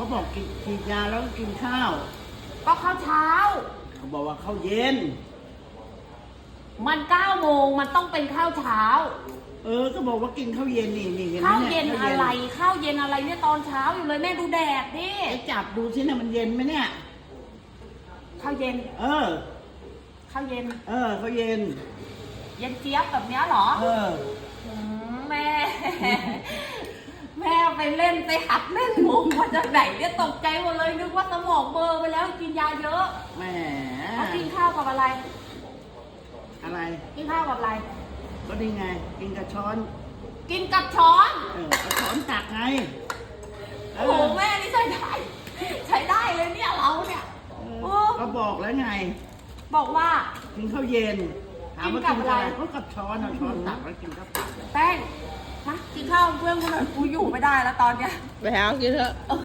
บอกฉีดยาแล้วก็กินข้าวก็ข้าวเช้าเขาบอกว่าข้าวเย็นมัน9 โมงมันต้องเป็นข้าวเช้าก็บอกว่ากินข้าวเย็นนี่ห็ไหมข้าวเย็นข้อะไรข้าวเย็นอะไรเนี่ยตอนเช้าอยู่เลยแม่ดูแดดดิไปจับดูสินะมันเย็นไหมเนี่ยข้าวเย็นข้าวเย็นเย็นเจี๊ยบแบบเนี้ยเหรอแม่ แม่ไปเล่นไปหัดเล่นมุกมาจากไหนเนี่ยตกใจหมดเลยนึกว่าสมองเบลอร์ไปแล้วกินยาเยอะแหมเขากินข้าวกับอะไรอะไรกินข้าวกับอะไรก็ดีไง กินกับช้อนกินกับช้อนกับช้อนตักไงโอ้โหแม่นี่ใช้ได้เลยเนี่ยเราเนี่ยก็บอกแล้วไงบอกว่ากินข้าวเย็นถามว่ากิกินนกักับบ อะไรอะไรก็กับช้อนเอาช้อนตักแล้วกินกับตักแป้งมากินข้าวเพื่อนกูหน่อยกูอยู่ไม่ได้แล้วตอนเนี้ยไปหากินเถอะ